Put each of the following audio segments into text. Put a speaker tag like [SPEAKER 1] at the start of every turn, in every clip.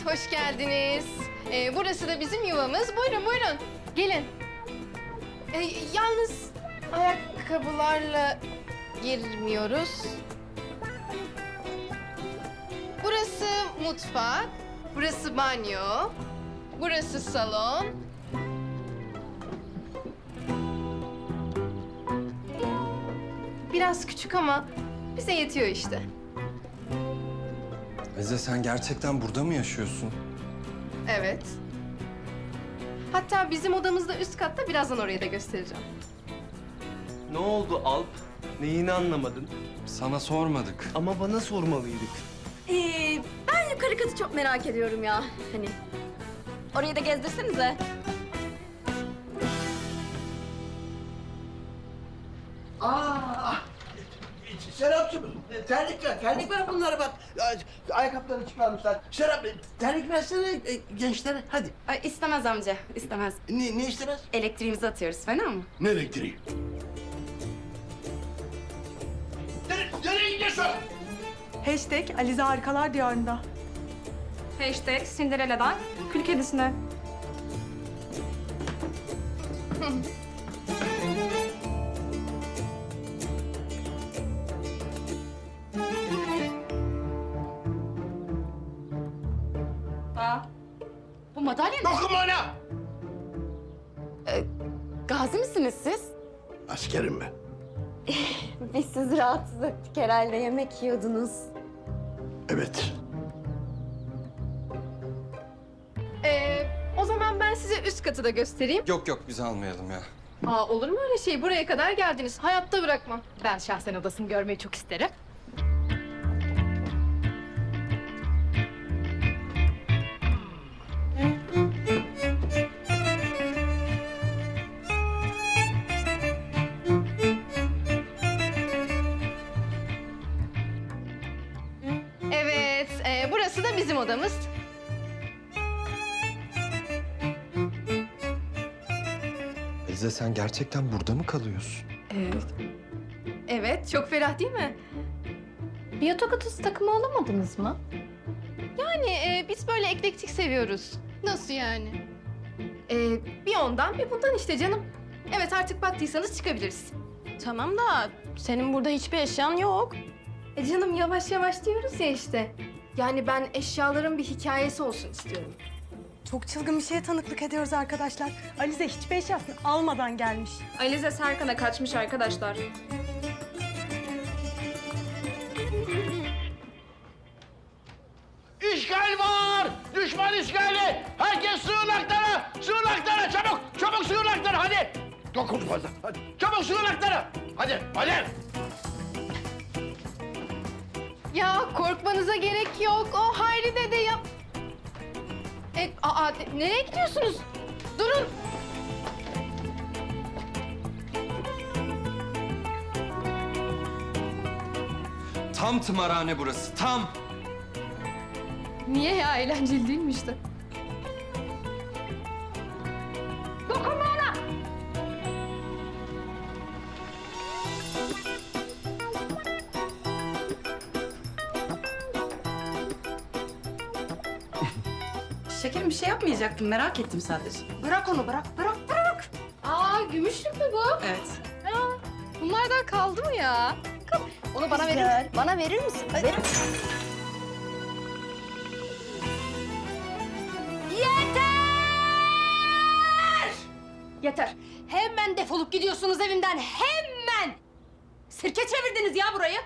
[SPEAKER 1] hoş geldiniz. Burası da bizim yuvamız. Buyurun, buyurun. Gelin. Yalnız ayakkabılarla girmiyoruz. Burası mutfak, burası banyo, burası salon. Biraz küçük ama bize yetiyor işte.
[SPEAKER 2] Eze sen gerçekten burada mı yaşıyorsun?
[SPEAKER 1] Evet. Hatta bizim odamız da üst katta, birazdan orayı da göstereceğim.
[SPEAKER 3] Ne oldu Alp? Neyini anlamadın?
[SPEAKER 2] Sana sormadık.
[SPEAKER 3] Ama bana sormalıydık.
[SPEAKER 4] Ben yukarı katı çok merak ediyorum ya. Hani orayı da gezdirsenize.
[SPEAKER 5] Serapcığım, terlik ver bunlara bak. Ayakkabılarını çıkarmışlar. Serap, terlik versene gençlere, hadi.
[SPEAKER 4] Ay, istemez amca, istemez.
[SPEAKER 5] Ne istemez?
[SPEAKER 4] Elektriğimizi atıyoruz, fena mı?
[SPEAKER 5] Ne elektriği? Nereye gidiyorsun?
[SPEAKER 6] Hashtag Alize Harikalar Diyarı'nda.
[SPEAKER 4] Hashtag Cinderella'dan Kül Kedisi'ne. Bu madalya ne?
[SPEAKER 5] Dokunma ona!
[SPEAKER 4] Gazi misiniz siz?
[SPEAKER 5] Askerim ben.
[SPEAKER 4] Biz sizi rahatsız ettik herhalde, yemek yiyordunuz.
[SPEAKER 5] Evet.
[SPEAKER 1] O zaman ben size üst katı da göstereyim.
[SPEAKER 2] Yok yok biz almayalım ya.
[SPEAKER 1] Olur mu öyle şey? Buraya kadar geldiniz. Hayatta bırakmam.
[SPEAKER 6] Ben şahsen odasını görmeyi çok isterim.
[SPEAKER 1] Evet, burası da bizim odamız.
[SPEAKER 2] Eze sen gerçekten burada mı kalıyorsun?
[SPEAKER 1] Evet, çok ferah değil mi?
[SPEAKER 6] Bir yatak odası takımı alamadınız mı?
[SPEAKER 1] Yani biz böyle eklektik seviyoruz. Nasıl yani? Bir ondan bir bundan işte canım. Evet, artık baktıysanız çıkabiliriz.
[SPEAKER 4] Tamam da senin burada hiçbir eşyan yok.
[SPEAKER 1] Canım yavaş yavaş diyoruz ya işte. Yani ben eşyaların bir hikayesi olsun istiyorum.
[SPEAKER 6] Çok çılgın bir şeye tanıklık ediyoruz arkadaşlar. Alize hiçbir eşyasını almadan gelmiş.
[SPEAKER 4] Alize Serkan'a kaçmış arkadaşlar.
[SPEAKER 5] İşgal var! Düşman işgali! Herkes sığınaklara! Sığınaklara! Çabuk sığınaklara! Hadi! Dokun fazla! Hadi! Çabuk sığınaklara! Hadi!
[SPEAKER 1] Ya korkmanıza gerek yok. O Hayri dede yap. Nereye gidiyorsunuz? Durun.
[SPEAKER 2] Tam tımarhane burası tam.
[SPEAKER 1] Niye ya? Eğlenceli değil mi işte?
[SPEAKER 7] Şekerim bir şey yapmayacaktım. Merak ettim sadece.
[SPEAKER 4] Bırak onu, bırak.
[SPEAKER 1] Gümüşlük mü bu?
[SPEAKER 7] Evet.
[SPEAKER 1] Bunlardan kaldı mı ya?
[SPEAKER 4] Onu bana verir misin? Bana verir misin? Verir.
[SPEAKER 7] Yeter. Hemen defolup gidiyorsunuz evimden. Hemen! Sirke çevirdiniz ya burayı.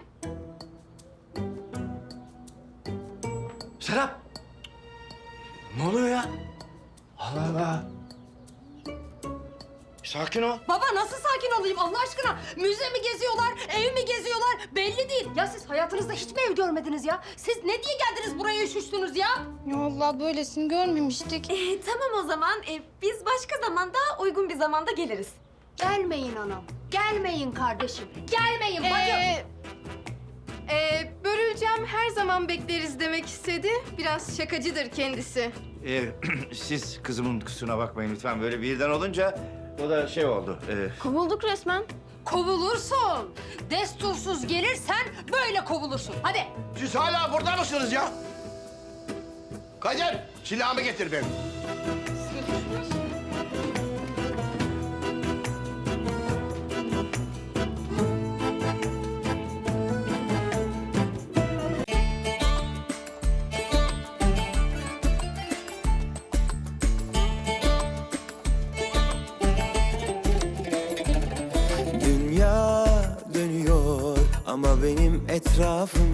[SPEAKER 5] Serap! Ne oluyor ya? Allah Allah! Sakin ol.
[SPEAKER 7] Baba nasıl sakin olayım Allah aşkına? Müze mi geziyorlar, ev mi geziyorlar? Belli değil. Ya siz hayatınızda hiç mi ev görmediniz ya? Siz ne diye geldiniz buraya üşüştünüz ya?
[SPEAKER 1] Ya Allah böylesini görmemiştik.
[SPEAKER 4] Tamam o zaman. Biz başka zamanda, uygun bir zamanda geliriz.
[SPEAKER 7] Gelmeyin anam. Gelmeyin kardeşim. Gelmeyin bacım.
[SPEAKER 1] Börülcem her zaman bekleriz demek istedi. Biraz şakacıdır kendisi.
[SPEAKER 8] Siz kızımın kusuruna bakmayın lütfen. Böyle birden olunca o da şey oldu.
[SPEAKER 4] Kovulduk resmen.
[SPEAKER 7] Kovulursun. Destursuz gelirsen böyle kovulursun. Hadi.
[SPEAKER 5] Siz hala burada mısınız ya? Kadir! Silahımı getir benim.
[SPEAKER 9] Dünya dönüyor ama benim etrafım